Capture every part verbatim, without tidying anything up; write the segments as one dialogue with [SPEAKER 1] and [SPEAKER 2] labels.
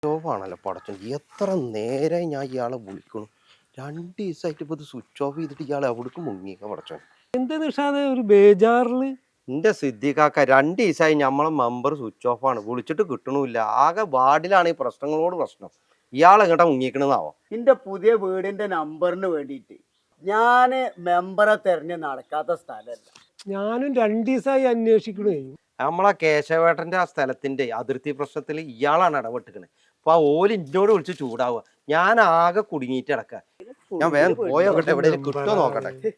[SPEAKER 1] ഓഫാണല്ലോ പടച്ചോൻ. എത്ര നേരമായി ഞാൻ ഇയാളെ വിളിക്കണു. രണ്ട് ദിവസമായിട്ട് ഇപ്പോൾ ഇത് സ്വിച്ച് ഓഫ് ചെയ്തിട്ട് ഇയാൾ എവിടേക്ക് മുങ്ങിയേക്ക പടച്ചോൻ.
[SPEAKER 2] എന്താ നിഷാദേ ഒരു ബേജാറില്?
[SPEAKER 1] എൻ്റെ സിദ്ദിഖാക്ക രണ്ട് ദിവസമായി നമ്മളെ മെമ്പർ സ്വിച്ച് ഓഫാണ്, വിളിച്ചിട്ട് കിട്ടണമില്ല. ആകെ വാർഡിലാണ് ഈ പ്രശ്നങ്ങളോട് പ്രശ്നം. ഇയാൾ എങ്ങോട്ടാ മുങ്ങിക്കണെന്നാവോ?
[SPEAKER 3] എന്റെ പുതിയ വീടിന്റെ നമ്പറിന് വേണ്ടിയിട്ട് ഞാന് മെമ്പറെ തെരഞ്ഞ് നടക്കാത്ത സ്ഥലമല്ല.
[SPEAKER 2] ഞാനും രണ്ടു ദിവസമായി അന്വേഷിക്കണേ.
[SPEAKER 1] നമ്മളെ കേശവേട്ടന്റെ ആ സ്ഥലത്തിന്റെ അതിർത്തി പ്രശ്നത്തിൽ ഇയാളാണ് ഇടപെട്ടിക്കണേ. അപ്പൊ ആ ഓല് ഇന്നോട് വിളിച്ച് ചൂടാവുക. ഞാൻ ആകെ കുടുങ്ങിയിട്ട് കിടക്ക. ഞാൻ വേഗം പോയോക്കട്ടെ, എവിടെയെങ്കിലും കിട്ടുമോ നോക്കട്ടെ.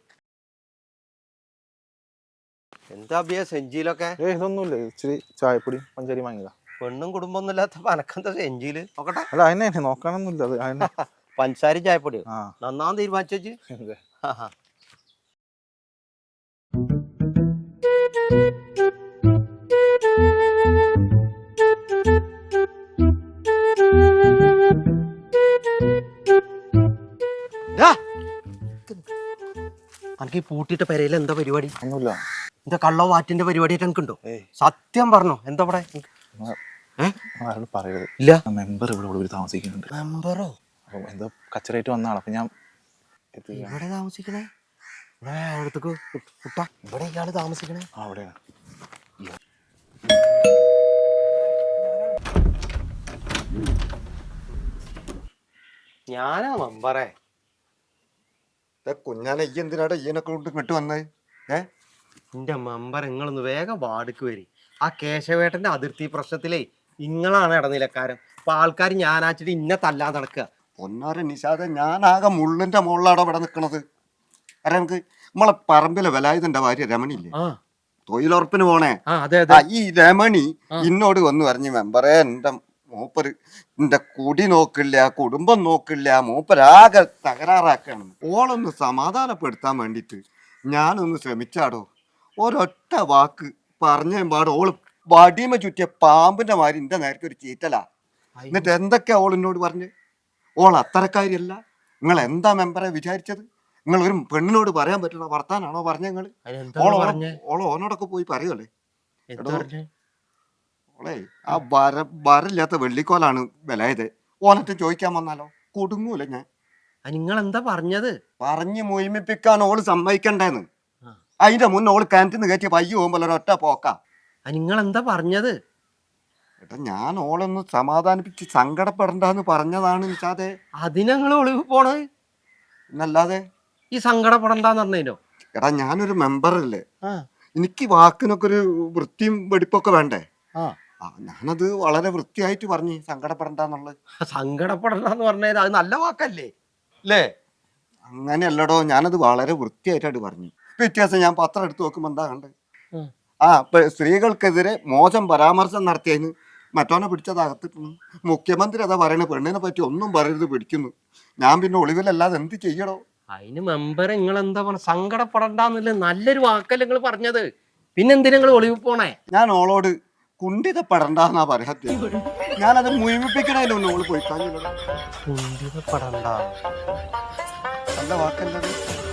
[SPEAKER 1] എന്താ അഭിയ സെഞ്ചിയിലൊക്കെ?
[SPEAKER 4] ഏ ഇതൊന്നുമില്ല, ഇച്ചിരി ചായപ്പൊടി പഞ്ചാരി വാങ്ങിയതാ.
[SPEAKER 1] പെണ്ണും കുടുംബം ഇല്ലാത്ത പനക്കെന്താ സെഞ്ചിയില് നോക്കട്ടെ.
[SPEAKER 4] അല്ല അതിനെ നോക്കാനൊന്നുമില്ല, അത് അതിനെ
[SPEAKER 1] പഞ്ചസാരയും ചായപ്പൊടിയോ
[SPEAKER 4] ആ
[SPEAKER 1] നന്നാന്ന് തീരുമാനിച്ചു. എനിക്ക് ഈ പൂട്ടിട്ട പെരയിൽ എന്താ പരിപാടി?
[SPEAKER 4] ഒന്നുമില്ല.
[SPEAKER 1] എന്താ കള്ളോ വാറ്റിന്റെ പരിപാടിയായിട്ട് എനിക്കുണ്ടോ?
[SPEAKER 4] ഏയ്
[SPEAKER 1] സത്യം പറഞ്ഞോ, എന്താ ഇവിടെ?
[SPEAKER 4] ആരോട് പറയരുത്.
[SPEAKER 1] ഇല്ല,
[SPEAKER 4] മെമ്പർ ഇവിടെ ഇവിടെ താമസിക്കുന്നുണ്ട്.
[SPEAKER 1] മെമ്പറോ?
[SPEAKER 4] അപ്പൊ എന്തോ കച്ചറായിട്ട് വന്നതാണ്. അപ്പൊ ഞാൻ
[SPEAKER 1] ഇവിടെ താമസിക്കണേ? ഇവിടെ അടുത്തേക്ക് കുട്ടാ, ഇവിടെ ഇയാള് താമസിക്കണേ?
[SPEAKER 4] ആ അവിടെയാണ്.
[SPEAKER 1] ഞാനാ മെമ്പറേ.
[SPEAKER 5] കുഞ്ഞാനെ ഈ എന്തിനാടാ ഈനൊക്കെ കൊണ്ട് ഇങ്ങോട്ട് വന്നത്? ഏ
[SPEAKER 1] എന്റെ മെമ്പർ, നിങ്ങളൊന്ന് വേഗം വാർഡിക്ക് വരി. ആ കേശവേട്ടന്റെ അതിർത്തി പ്രശ്നത്തിലേ നിങ്ങളാണ് ഇടനിലക്കാരൻ. അപ്പൊ ആൾക്കാർ ഞാനാച്ചിട്ട് ഇന്നെ തല്ലാൻ നടക്കുക.
[SPEAKER 5] പൊന്നാര നിഷാദെ, ഞാനാകെ മുള്ളിന്റെ മുകളിലാടോ ഇവിടെ നിക്കണത്. അരെ നമുക്ക് നമ്മളെ പറമ്പിലെ വേലായുധന്റെ ഭാര്യ രമണിയില്ലേ, തൊഴിലുറപ്പിന് പോണേ? ഈ രമണി ഇന്നോട് വന്ന് പറഞ്ഞു, മെമ്പറേ എന്റെ മൂപ്പര് എന്റെ കുടി നോക്കില്ല, കുടുംബം നോക്കില്ല, മൂപ്പരാകെ തകരാറാക്കാണ്. ഓളൊന്ന് സമാധാനപ്പെടുത്താൻ വേണ്ടിട്ട് ഞാനൊന്ന് ശ്രമിച്ചാടോ. ഒരൊറ്റ വാക്ക് പറഞ്ഞ പാട് ഓള് വടിമ ചുറ്റിയ പാമ്പിന്റെ മാതിരി എന്റെ നേരത്തെ ഒരു ചീറ്റലാ. എന്നിട്ട് എന്തൊക്കെയാ ഓൾ എന്നോട് പറഞ്ഞ്? ഓൾ അത്തരക്കാരിയല്ല. നിങ്ങൾ എന്താ മെമ്പറെ വിചാരിച്ചത്? നിങ്ങൾ ഒരു പെണ്ണിനോട് പറയാൻ പറ്റുന്ന വർത്താനാണോ പറഞ്ഞ? നിങ്ങള് ഓളോ ഓളോ ഓനോടൊക്കെ പോയി പറയുമല്ലേ? ഓളെ ആ വര വരല്ലാത്ത വെള്ളിക്കോലാണ് വിലയത്. ഓനറ്റ് ചോദിക്കാൻ വന്നാലോ കൊടുങ്ങൂല ഞാൻ.
[SPEAKER 1] നിങ്ങൾ എന്താ പറഞ്ഞത്?
[SPEAKER 5] പറഞ്ഞ് മുയിമിപ്പിക്കാൻ ഓള് സമ്മതിക്കണ്ടേന്ന്. അതിന്റെ മുന്നേ ഓള് കിണറ്റിന്ന് കയറ്റി പയ്യ പോകുമ്പോൾ ഒരൊറ്റ പോക്കാ.
[SPEAKER 1] നിങ്ങൾ എന്താ പറഞ്ഞത്?
[SPEAKER 5] ഏട്ടാ, ഞാൻ ഓളൊന്ന് സമാധാനിപ്പിച്ച് സങ്കടപ്പെടണ്ടെന്ന് പറഞ്ഞതാണ് നിഷാദേ.
[SPEAKER 1] അതിനങ്ങൾ ഒളിവ് പോണത്?
[SPEAKER 5] എന്നല്ലാതെ
[SPEAKER 1] ഈ സങ്കടപ്പെടണ്ടെന്ന് പറഞ്ഞോ?
[SPEAKER 5] എടാ, ഞാനൊരു മെമ്പറല്ലേ, എനിക്ക് വാക്കിനൊക്കെ ഒരു വൃത്തിയും വെടിപ്പൊക്കെ വേണ്ടേ? ആ ഞാനത് വളരെ വൃത്തിയായിട്ട് പറഞ്ഞു, സങ്കടപ്പെടണ്ടെന്നുള്ളത്.
[SPEAKER 1] സങ്കടപ്പെടണ്ടെന്ന് പറഞ്ഞത് അത് നല്ല വാക്കല്ലേ അല്ലേ?
[SPEAKER 5] അങ്ങനെയല്ലടോ, ഞാനത് വളരെ വൃത്തിയായിട്ടാണ് പറഞ്ഞു. വ്യത്യാസം ഞാൻ പത്രം എടുത്ത് നോക്കുമ്പോ എന്താ കണ്ടത്? ആ സ്ത്രീകൾക്കെതിരെ മോശം പരാമർശം നടത്തിയതിന് മറ്റോനെ പിടിച്ചതകത്തിട്ടു. മുഖ്യമന്ത്രി അതാ പറയണ, പെണ്ണിനെ പറ്റി ഒന്നും പറയരുത്, പിടിക്കുന്നു. ഞാൻ പിന്നെ ഒളിവിലല്ലാതെ എന്ത് ചെയ്യണോ?
[SPEAKER 1] അതിന് മെമ്പർ നിങ്ങൾ എന്താ പറഞ്ഞ? സങ്കടപ്പെടണ്ടെന്നില്ല, നല്ലൊരു വാക്കല്ലേ നിങ്ങൾ പറഞ്ഞത്. പിന്നെന്തിനാ നിങ്ങൾ ഒളിവ് പോണേ?
[SPEAKER 5] ഞാൻ ഓളോട് കുണ്ടിതപ്പെടണ്ടെന്നാ പറയാത്ത. ഞാനത് മുഴുമിപ്പിക്കണേലൊന്നും ഓള് പോയി കാണില്ല.
[SPEAKER 1] കുണ്ടിതപ്പെടണ്ട
[SPEAKER 5] നല്ല വാക്കല്ലത്.